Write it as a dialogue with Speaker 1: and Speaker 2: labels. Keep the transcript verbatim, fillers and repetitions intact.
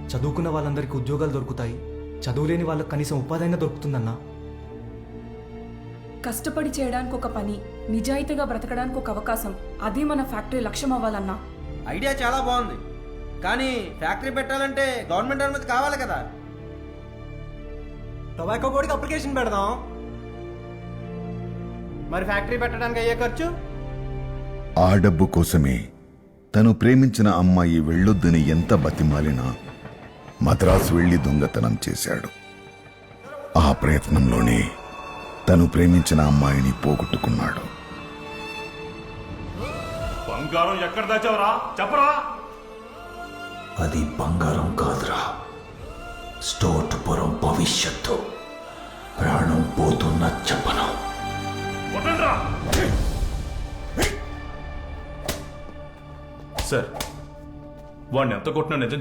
Speaker 1: చదువుకున్న వాళ్ళందరికీ ఉద్యోగాలు దొరుకుతాయి, చదువులేని వాళ్ళకి కనీసం ఉపాధి అయినా దొరుకుతుందన్నా.
Speaker 2: కష్టపడి చేయడానికి ఒక పని, నిజాయితీగా బ్రతకడానికి ఒక అవకాశం, అదే మన ఫ్యాక్టరీ లక్ష్యం అవ్వాలన్నా.
Speaker 3: ఐడియా చాలా బాగుంది, కానీ ఫ్యాక్టరీ పెట్టాలంటే గవర్నమెంట్ అనుమతి కావాలి కదా.
Speaker 4: టొబాకో బోర్డుకి అప్లికేషన్ పెడదాం. మరి ఫ్యాక్టరీ పెట్టడానికి అయ్యే ఖర్చు?
Speaker 5: ఆ డబ్బు కోసమే తను ప్రేమించిన అమ్మాయి వెళ్ళొద్దని ఎంత బతిమాలినా మద్రాసు వెళ్లి దొంగతనం చేశాడు. ఆ ప్రయత్నంలోనే తను ప్రేమించిన అమ్మాయిని పోగొట్టుకున్నాడు.
Speaker 6: బంగారం ఎక్కడ దాచావరా చెప్పరా?
Speaker 7: అది బంగారం కాదురా, స్టోటుపురం భవిష్యత్తు. ప్రాణం పోతున్న చెప్పను.
Speaker 6: సార్, వాడిని ఎంత కొట్టినా నిజం